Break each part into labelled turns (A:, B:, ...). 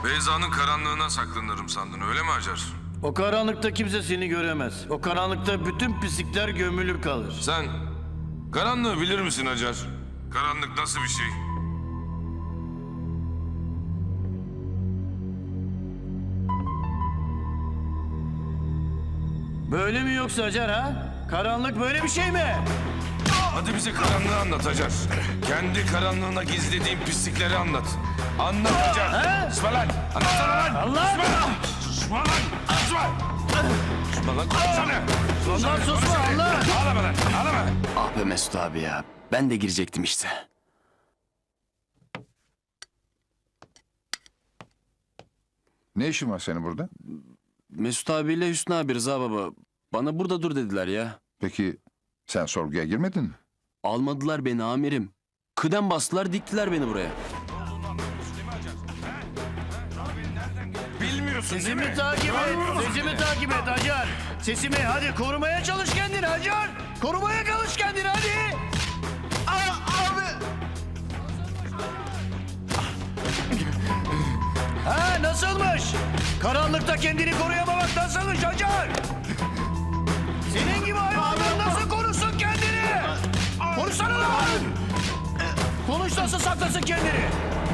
A: Beyza'nın karanlığına saklanırım sandın öyle mi Hacer?
B: O karanlıkta kimse seni göremez. O karanlıkta bütün pislikler gömülü kalır.
A: Sen karanlığı bilir misin Hacer? Karanlık nasıl bir şey?
B: Böyle mi yoksa Hacer ha? Karanlık böyle bir şey mi?
A: Hadi bize karanlığı anlat Hacer. Kendi karanlığına gizlediğin pislikleri anlat. Anlat Hacer. Susma lan. Anlatsana lan.
B: Allah!
A: Susma lan. Susma lan. Susma. Susma lan. Konuşsana.
B: Allah susma Allah!
A: Ağlama lan. Ağlama.
C: Ah be Mesut abi ya. Ben de girecektim işte.
D: Ne işin var senin burada?
C: Mesut abiyle Hüsnü abi Rıza baba. Bana burada dur dediler ya.
D: Peki sen sorguya girmedin mi?
C: Almadılar beni amirim. Kıdem bastılar diktiler beni buraya.
A: Bilmiyorsun değil mi?
B: Sesimi takip et, sesimi takip et Hacer. Sesimi hadi korumaya çalış kendini Hacer. Korumaya çalış kendini hadi. Abi. Ha nasılmış? Karanlıkta kendini koruyamamak nasılmış Hacer? Senin gibi hayvanlar nasıl korusun kendini? Konuşsana lan! Konuş nasıl saklasın kendini?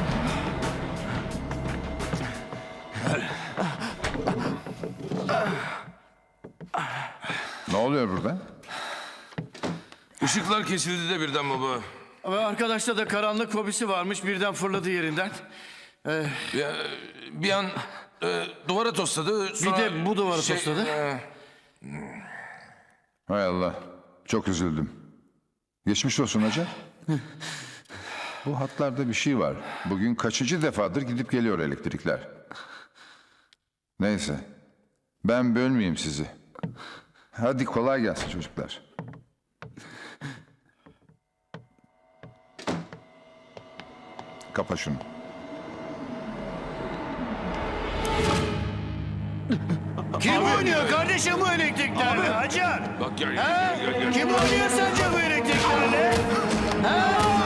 D: Ne oluyor burada?
A: Işıklar kesildi de birden baba.
B: Ve arkadaşta da karanlık fobisi varmış birden fırladı yerinden.
A: Ya, bir an duvara tosladı. Sonra
B: Bir de bu duvara tosladı.
D: Hay Allah. Çok üzüldüm. Geçmiş olsun hacı. Bu hatlarda bir şey var. Bugün kaçıncı defadır gidip geliyor elektrikler. Neyse. Ben bölmeyeyim sizi. Hadi kolay gelsin çocuklar. Kapa şunu.
B: Kim oynuyor kardeşim bu elektriklerle Hacer?
A: Bak gel
B: Ha?
A: gel gel.
B: Kim oynuyor sence bu elektriklerle? Ha?